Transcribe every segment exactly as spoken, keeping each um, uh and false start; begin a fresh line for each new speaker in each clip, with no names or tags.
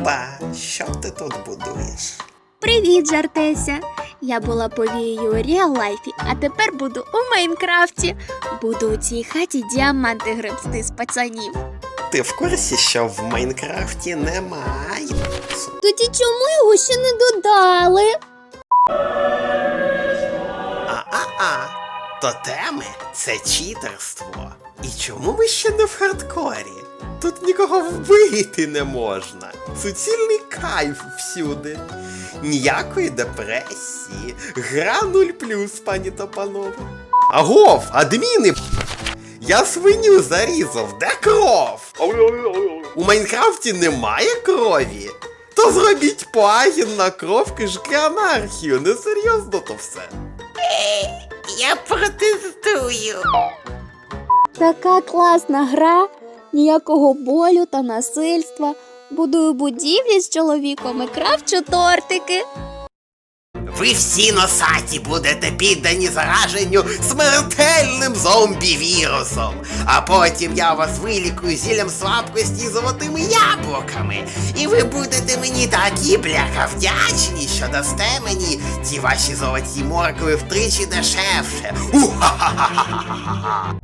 Люба, що ти тут будуєш?
Привіт, Жартеся! Я була повією у реал-лайфі, а тепер буду у Майнкрафті. Буду у цій хаті діаманти гребсти з пацанів.
Ти в курсі, що в Майнкрафті немає?
Тоді чому його ще не додали?
А-а-а, тотеми – це читерство. І чому ми ще не в хардкорі? Тут нікого вбити не можна. Суцільний кайф всюди. Ніякої депресії. Гра нуль плюс, пані та панове. Агов, адміни! Я свиню зарізав, де кров? У Майнкрафті немає крові? То зробіть плагін на кров, кишки анархію. Несерйозно то все. Я протестую.
Така класна гра, ніякого болю та насильства. Будую будівлі з чоловіком і кравчу тортики.
Ви всі носаті будете піддані зараженню смертельним зомбі-вірусом. А потім я вас вилікую зіллям слабкості і золотими яблуками. І ви будете мені такі, бляха, вдячні, що дасте мені ці ваші золоті моркви втричі дешевше. У-ха-ха-ха-ха-ха-ха.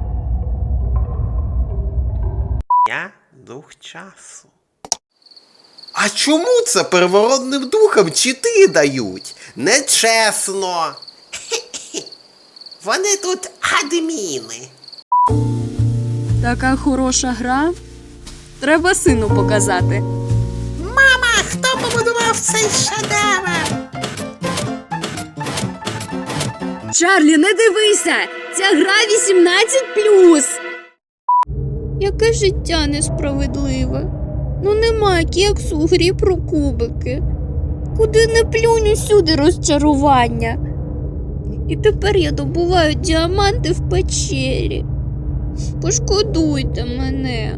Я дух часу. А чому це первородним духам чити дають? Нечесно. Вони тут адміни.
Така хороша гра. Треба сину показати.
Мама, хто побудував цей шедевр?
Чарлі, не дивися! Ця гра вісімнадцять плюс. Яке життя несправедливе. Ну нема кексу у грі про кубики. Куди не плюнь, усюди розчарування. І тепер я добуваю діаманти в печері. Пошкодуйте мене.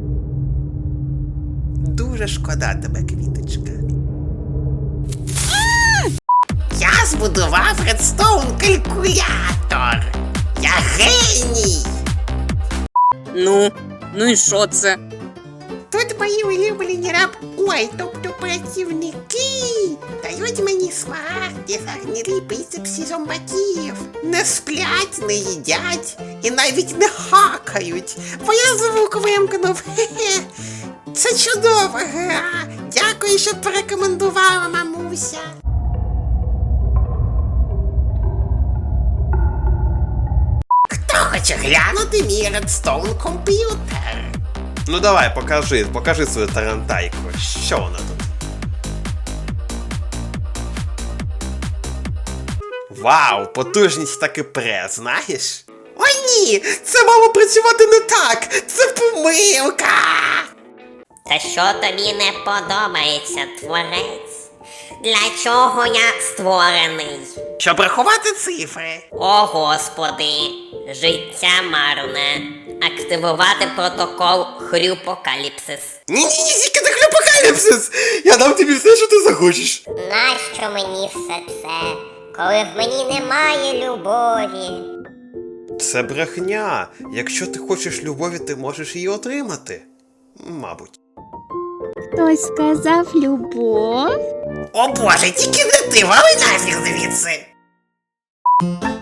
Дуже шкода тебе, квіточка. Я збудував редстоун калькулятор. Я геній.
Ну, ну і що це?
Тут мої улюблені раб... Ой, тобто працівники дають мені смарагди за гнилі біцепсі зомбаків. Не сплять, не їдять і навіть не хакають, бо я звук вимкнув. Хе-хе. Це чудова гра. Дякую, що порекомендувала, мамуся. Хто хоче глянути мій редстоун комп'ютер? Ну давай, покажи, покажи свою тарантайку. Що вона тут? Вау, потужність таки пре, знаєш? О ні, це мало працювати не так! Це помилка!
Та що тобі не подобається, творець? Для чого я створений?
Щоб рахувати цифри.
О, Господи, життя марне. Активувати протокол Хрюпокаліпсис.
Ні-ні-ні, тільки не хлюпокаліпсис! Я дам тобі все, що ти захочеш.
Нащо мені все це, коли в мені немає любові?
Це брехня. Якщо ти хочеш любові, ти можеш її отримати. Мабуть.
Хтось сказав любов?
О боже, тільки не ти, вали нафіг звідси!